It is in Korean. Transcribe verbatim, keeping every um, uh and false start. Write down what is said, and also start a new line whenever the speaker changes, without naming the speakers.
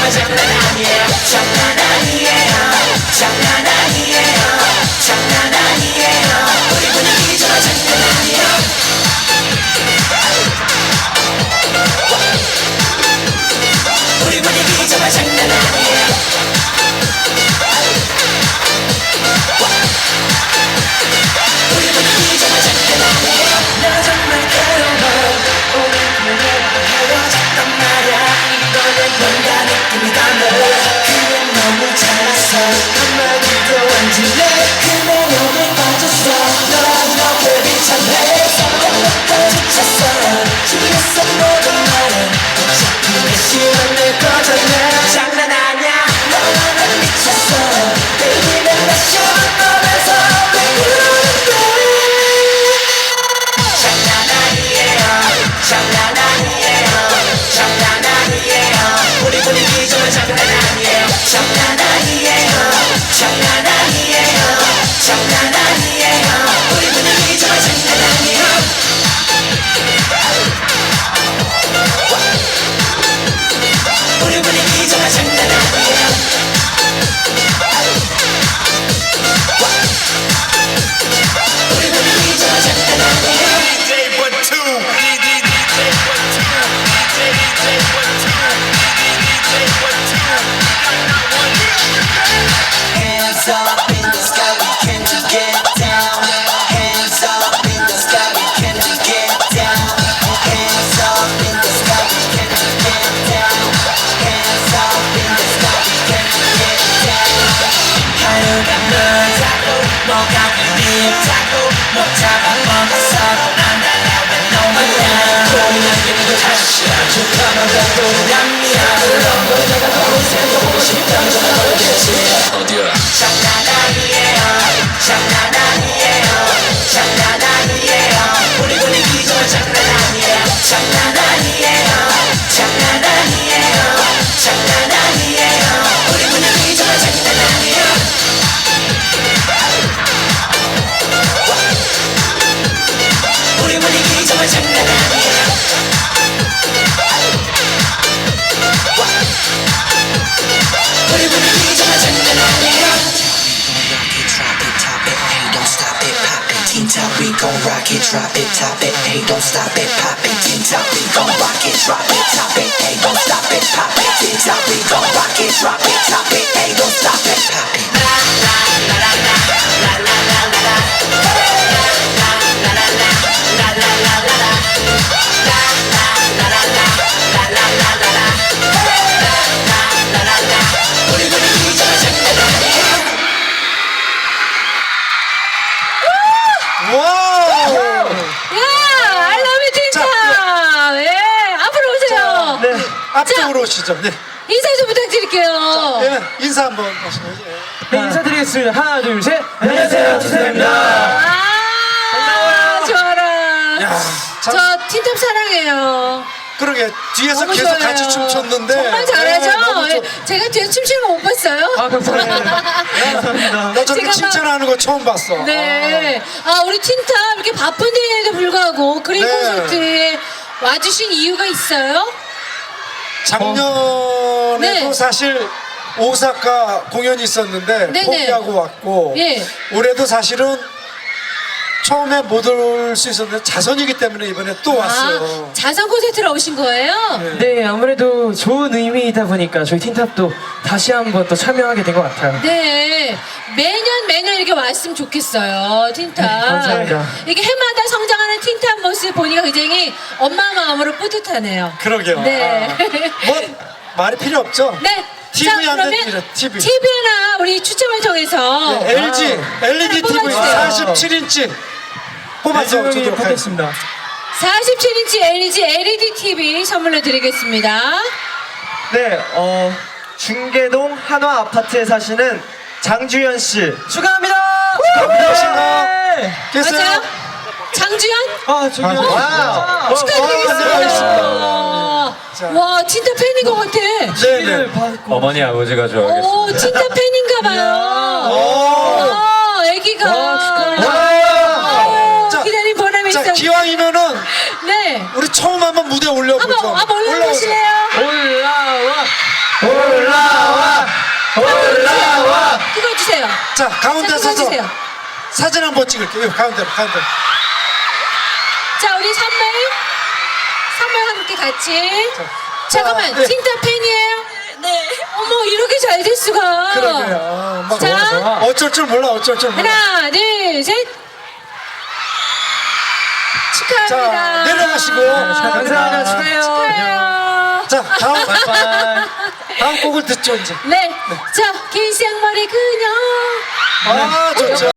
정말 장난 아니에요. 장난 아니에요. 장난 아니에요. 장난 아니에요. 우리 분위기 정말 장난 아니에요. 우리 분위기 정말 장난 아니에요. 우리 분위기 정말 장난 아니에요. 나 정말 괴로워. 오늘 그녀와 헤어졌단 말야. 이번엔 뭔가 느낌이 달라. 그냥 너무 잘났어. 한마디도 안 질래. 그 매력에 빠졌어. 너랑 너무 비참해. 서로부터 지쳤어. 지렸어 모든 말은 어차피 내 시간 내 거잖아. 장난 아냐. 너와 난 미쳤어. Baby 난 다시 만나면서 왜 그러는데. 장난 아니에요. 장난 아니에요. 장난 아니에요. 우리 분위기 정말 장난 아니에요. 장난 아니에요. 장난 아니에요. 장난 아니에요. 우리 분위기 정말 장난 아니에요. 우리 분위기 정말 장난 아니에요. 우리 분위기 정말 장난 아니에요.
디제이 one two 디제이 one two 디제이 one two 디제이 one two
Hands up in the sky, we can to get down. Hands up in the sky, we can to get down. Hands up in the sky, we can to get down. Hands up in the sky, we can to get down. 하루가 멀다고 뭐가 그립다고 못 잡아먹었어. 안 달라왜 너무나 고민하기도 다시 아주 편하다고 난 미안해. 물론 내가 너무 생각하고 싶다는 건 모르겠지.
어디야?
장난 아니에요. 장난 아니에요. 장난 아니에요. 우리 분위기 정말 장난 아니에요. 장난 아니에요. 장난 아니에요. 장난 아니에요. 우리 분위기 정말 장난 아니에요. 우리 분위기 정말 장난 아니에요. 우리 분위기 정말 장난 아니에요.
Teen Top, we gon' rock it, drop it, top it, hey, don't stop it, pop it. Teen Top, we gon' rock it, drop it, top it, hey, don't stop it, pop it. Teen Top, we gon' rock it, drop it, top it, hey, don't stop it, pop it.
우리 분위기 정말 장난 아니에요.
와우!
야, I love you, 틴탑. 예, 앞으로 오세요.
네, 앞쪽으로 오시죠. 네.
인사 좀 부탁드릴게요.
네, 인사 한번 하시죠. 예.
네, 인사드리겠습니다. 하나, 둘, 셋.
안녕하세요, 틴탑입니다.
아, 좋아라.
야, 참,
저 틴탑 사랑해요.
그러게 뒤에서
너무
계속
좋아요.
같이 춤췄는데
정말 잘하죠?
네, 너무
예,
좋-
제가 뒤에 춤추는 거 못 봤어요?
아, 감사합니다.
나 저렇게
제가 막-
칭찬하는 거 처음 봤어.
네. 아, 우리 틴탑 이렇게 바쁜데도 불구하고 그린
네.
콘서트에 와주신 이유가 있어요?
작년에도
네.
사실 오사카 공연이 있었는데
네네.
포기하고 왔고
예.
올해도 사실은 처음에 못 올 수 있었는데 자선이기 때문에 이번에 또 왔어요.
아, 자선 콘서트로 오신 거예요?
네, 아무래도 좋은 의미이다 보니까 저희 틴탑도 다시 한번 또 참여하게 된 것 같아요.
네. 매년 매년 이렇게 왔으면 좋겠어요, 틴탑.
네, 감사합니다.
이게 해마다 성장하는 틴탑 모습 보니까 굉장히 엄마 마음으로 뿌듯하네요.
그러게요.
네.
아, 뭐 말이 필요 없죠.
네.
티비
자,
안
그러면
됩니다, 티비.
티비나 우리 추첨을 통해서
네, 엘지 엘이디 티비
뽑아주세요.
사십칠 인치 뽑아서
네,
주도록 하겠습니다.
뽑겠습니다.
사십칠 인치 엘이디 엘이디 티비 선물로 드리겠습니다.
네, 어, 중계동 한화 아파트에 사시는 장주현 씨
축하합니다.
축하합니다.
네.
됐어요?
맞아요? 장주현?
아, 저기
아,
와우.
어,
축하드리겠습니다.
어, 자.
와, 진짜 팬인 것 같아.
네네.
받고.
어머니 아버지가 좋아하겠습니다.
오, 진짜 팬인가 봐요.
오.
와, 애기가.
와, 축하합니다.
아유,
자,
기다린 보람이 있어.
자, 기왕이면은
네.
우리 처음 한번 무대 올려보죠.
한번, 한번 올라보실래요?
올라와.
올라. 자, 가운데
자,
서서
해주세요.
사진 한번 찍을게요. 가운데로, 가운데로.
자, 우리 선물. 선물 함께 같이.
자,
잠깐만,
네.
틴탑 팬이에요? 네. 어머, 이렇게 잘 될 수가.
그러게요. 어, 막
자,
어쩔 줄 몰라, 어쩔 줄 몰라.
하나, 둘, 셋. 축하합니다.
자, 내려가시고.
감사합니다. 축하해요.
축하해요.
자, 다음,
바이바이.
다음 곡을 듣죠, 이제.
네. 자, 긴 생머리 그녀.
아, 좋죠.